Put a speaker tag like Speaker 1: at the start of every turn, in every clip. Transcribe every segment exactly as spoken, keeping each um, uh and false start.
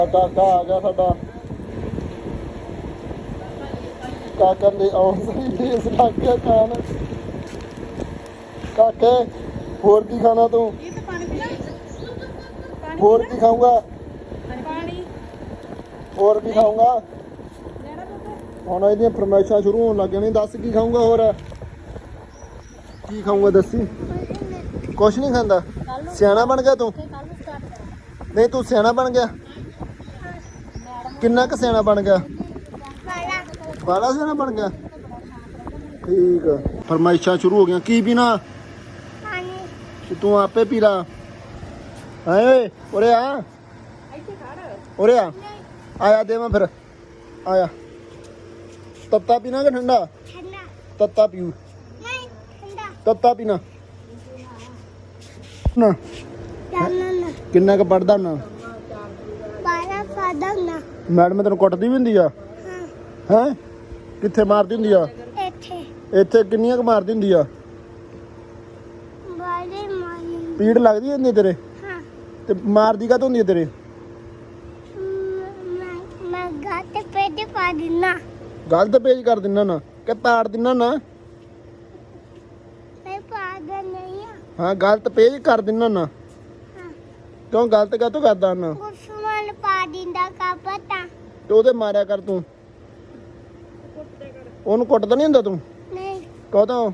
Speaker 1: ਕਾਕਾ ਆ ਗਿਆ ਸਾਡਾ। ਕਾਕਾ ਦੇ ਆਉਣ ਸਹੀ ਇਸ ਲੱਗ ਗਿਆ ਖਾਣ। ਕਾਕੇ ਹੋਰ ਕੀ ਖਾਣਾ ਤੂੰ? ਹੋਰ ਕੀ ਖਾਊਂਗਾ? ਹੋਰ ਕੀ ਖਾਊਂਗਾ? ਹੁਣ ਇਹਦੀਆਂ ਫਰਮਾਇਸ਼ਾਂ ਸ਼ੁਰੂ ਹੋਣ ਲੱਗ ਜਾਣੀਆਂ। ਦੱਸ ਕੀ ਖਾਊਂਗਾ? ਹੋਰ ਕੀ ਖਾਊਂਗਾ ਦੱਸੀ। ਕੁਛ ਨਹੀਂ ਖਾਂਦਾ। ਸਿਆਣਾ ਬਣ ਗਿਆ ਤੂੰ? ਨਹੀਂ ਤੂੰ ਸਿਆਣਾ ਬਣ ਗਿਆ। ਕਿੰਨਾ ਕੁ ਸਿਆਣਾ ਬਣ ਗਿਆ? ਬਾਲਾ ਸਿਆਣਾ ਬਣ ਗਿਆ। ਠੀਕ ਆ। ਫਰਮਾਇਸ਼ਾਂ ਸ਼ੁਰੂ ਹੋ ਗਈਆਂ। ਕੀ ਪੀਣਾ? ਤੇ ਤੂੰ ਆਪੇ ਪੀ ਲਾ। ਓਏ ਉਰੇ ਆ, ਉਰੇ ਆ। ਆਇਆ ਦੇਵਾਂ ਫਿਰ। ਆਇਆ। ਤੱਤਾ ਪੀਣਾ ਕਿ ਠੰਡਾ? ਤੱਤਾ ਪੀਊ। ਤੱਤਾ ਪੀਣਾ ਨਾ। ਕਿੰਨਾ ਕੁ ਪੜਦਾ ਨਾ? ਮੈਡਮ ਤੈਨੂੰ ਕੁੱਟਦੀ ਵੀ ਹੁੰਦੀ ਆ? ਹੈ ਕਿੱਥੇ ਮਾਰਦੀ ਹੁੰਦੀ ਆ? ਇੱਥੇ ਕਿੰਨੀਆਂ ਕੁ ਮਾਰਦੀ ਹੁੰਦੀ ਆ? ਪੀੜ ਲੱਗਦੀ ਹੁੰਦੀ ਤੇਰੇ? ਤੇ ਮਾਰਦੀ ਕਾਹਤੋਂ ਹੁੰਦੀ ਆ ਤੇਰੇ? ਗਲਤ ਪੇਜ ਕਰ ਦਿੰਨਾ ਨਾ ਕਿ ਪਾੜ ਦਿੰਨਾ ਨਾ? ਹਾਂ ਗਲਤ ਪੇਜ ਕਰ ਦਿੰਨਾ ਨਾ। ਕਿਉਂ ਗਲਤ ਕਾਹਤੋਂ ਕਰਦਾ ਨਾ? ਤੇ ਉਹਦੇ ਮਾਰਿਆ ਕਰ ਤੂੰ। ਉਹਨੂੰ ਕੁੱਟਦਾ ਨਹੀਂ ਹੁੰਦਾ ਤੂੰ? ਕਦੋਂ?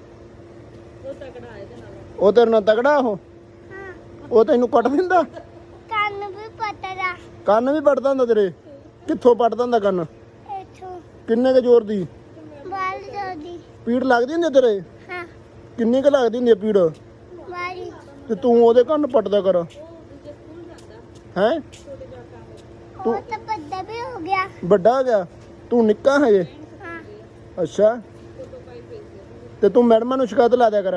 Speaker 1: ਉਹ ਤੇਰੇ ਨਾਲ ਤਗੜਾ? ਉਹ ਉਹ ਤੈਨੂੰ ਕੁੱਟ ਦਿੰਦਾ? ਕੰਨ ਵੀ ਪੱਟਦਾ। ਕੰਨ ਵੀ ਪੱਟਦਾ ਹੁੰਦਾ ਤੇਰੇ? ਕਿੱਥੋਂ ਪੱਟਦਾ ਹੁੰਦਾ ਕੰਨ? ਕਿੰਨੇ ਕੁ ਜ਼ੋਰ ਦੀ? ਪੀੜ ਲੱਗਦੀ ਹੁੰਦੀ ਤੇਰੇ? ਕਿੰਨੀ ਕੁ ਲੱਗਦੀ ਹੁੰਦੀ ਪੀੜ? ਤੇ ਤੂੰ ਉਹਦੇ ਕੰਨ ਪੱਟਦਾ ਕਰ। ਹੈ ਤੂੰ ਵੱਡਾ ਹੋ ਗਿਆ? ਤੂੰ ਨਿੱਕਾ ਹਜੇ? ਅੱਛਾ। ਤੇ ਤੂੰ ਮੈਡਮਾਂ ਨੂੰ ਸ਼ਿਕਾਇਤ ਲਾ ਦਿਆ ਕਰ।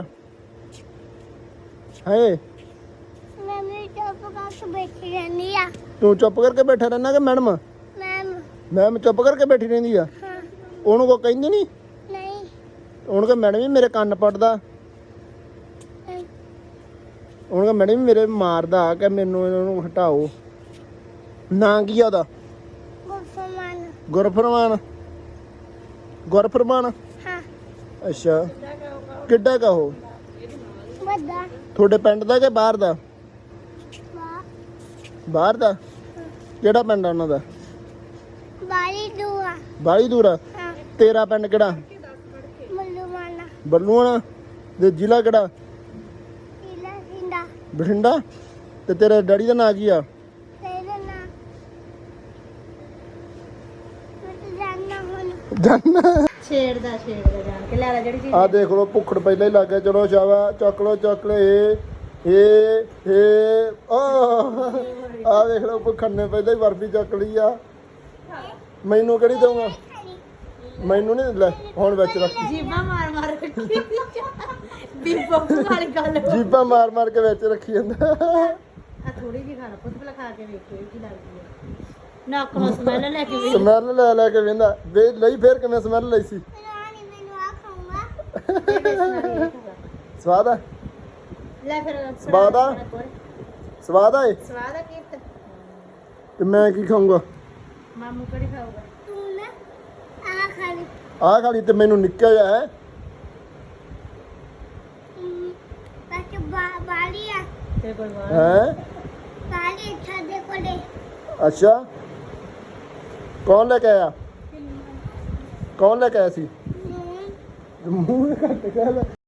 Speaker 1: ਹੈ ਤੂੰ ਚੁੱਪ ਕਰਕੇ ਬੈਠਾ ਰਹਿਣਾ ਕਿ ਮੈਡਮ? ਮੈਮ ਚੁੱਪ ਕਰਕੇ ਬੈਠੀ ਰਹਿੰਦੀ ਆ? ਉਹਨੂੰ ਕੋ ਕਹਿੰਦੀ ਨਹੀਂ? ਉਹਨੂੰ ਕਹ ਮੈਡਮ ਵੀ ਮੇਰੇ ਕੰਨ ਪੱਟਦਾ। ਉਹਨੂੰ ਕਹ ਮੈਡਮ ਵੀ ਮੇਰੇ ਮਾਰਦਾ ਕਿ ਮੈਨੂੰ ਇਹਨਾਂ ਨੂੰ ਹਟਾਓ। ਨਾਂ ਕੀ ਆ ਉਹਦਾ? ਗੁਰਫਰਮਾਨ। ਗੁਰਫਰਮਾਨ? ਅੱਛਾ। ਕਿੱਡਾ ਕਾ ਉਹ? ਤੁਹਾਡੇ ਪਿੰਡ ਦਾ ਕਿ ਬਾਹਰ ਦਾ? ਬਾਹਰ ਦਾ। ਕਿਹੜਾ ਪਿੰਡ ਆ ਉਹਨਾਂ ਦਾ? ਬਾਹਲੀ ਦੂਰ ਆ। ਤੇਰਾ ਪਿੰਡ ਕਿਹੜਾ? ਬੱਲੂਆਣਾ। ਤੇ ਜ਼ਿਲ੍ਹਾ ਕਿਹੜਾ? ਬਠਿੰਡਾ। ਤੇ ਤੇਰੇ ਡੈਡੀ ਦਾ ਨਾਂ ਕੀ ਆ?
Speaker 2: ਛੇੜਦਾ ਛੇੜਦਾ ਜਾਣ ਕੇ ਲੈ ਲੈ ਜਿਹੜੀ ਚੀਜ਼।
Speaker 1: ਆ ਦੇਖ ਲੋ ਭੁੱਖੜ ਪਹਿਲਾਂ ਹੀ ਲੱਗ ਗਿਆ। ਚਲੋ ਸ਼ਾਵਾ ਚੱਕ ਲੋ ਚੱਕ ਲੋ। ਇਹ ਇਹ ਇਹ ਆ ਦੇਖ ਲੋ ਭੁੱਖੜ ਨੇ ਪਹਿਲਾਂ ਹੀ ਬਰਫੀ ਚੱਕ ਲਈ ਆ। ਮੈਨੂੰ ਕਿਹੜੀ ਦਊਂਗਾ? ਮੈਨੂੰ ਨਹੀਂ ਲੈ ਹੁਣ ਵਿੱਚ ਰੱਖ।
Speaker 2: ਜੀਬਾਂ ਮਾਰ ਮਾਰ ਰੱਖੀ ਬੀਬੋ ਵਾਲੀ ਗੱਲ।
Speaker 1: ਜੀਬਾਂ ਮਾਰ ਮਾਰ ਕੇ ਵਿੱਚ ਰੱਖੀ ਜਾਂਦਾ।
Speaker 2: ਆ ਥੋੜੀ ਜਿਹੀ ਖਾਣਾ ਪੁੱਤ ਭਲਾ ਖਾ ਕੇ ਵੇਖਿਓ ਕੀ ਲੱਗਦੀ ਹੈ। ਨੱਕ ਨੂੰ ਸਮੈਲ ਲੈ ਕੇ ਵੇਖ।
Speaker 1: ਸਮੈਲ ਲੈ ਲੈ ਕੇ ਵੇਂਦਾ ਵੇ ਲਈ। ਫੇਰ ਕਿਵੇਂ ਸਮੈਲ ਲਈ ਸੀ? ਸਵਾਦ ਆ?
Speaker 2: ਲੈ ਫਿਰ
Speaker 1: ਸਵਾਦ ਆ? ਸਵਾਦ ਆ? ਇਹ
Speaker 2: ਸਵਾਦ ਆ ਕੀ?
Speaker 1: ਤੇ ਮੈਂ ਕੀ ਖਾਊਂਗਾ?
Speaker 2: ਮਾਮੂ ਕਿਹੜੀ ਖਾਊਗਾ? ਤੂੰ ਨਾ ਆ ਖਾ ਲਈ।
Speaker 1: ਆ ਖਾ ਲਈ ਤੇ ਮੈਨੂੰ ਨਿੱਕਾ ਜਿਹਾ ਹੈ।
Speaker 2: ਬਾਕੀ ਬਾਲੀ ਆ ਤੇ ਕੋਲ
Speaker 1: ਹੈ।
Speaker 2: ਬਾਲੀ ਛੱਡੇ ਕੋਲੇ।
Speaker 1: ਅੱਛਾ। ਕੌਣ ਲੈ ਕੇ ਆਇਆ? ਕੌਣ ਲੈ ਕੇ ਆਇਆ ਸੀ? ਮੂੰਹ ਕੱਟ ਗਿਆ।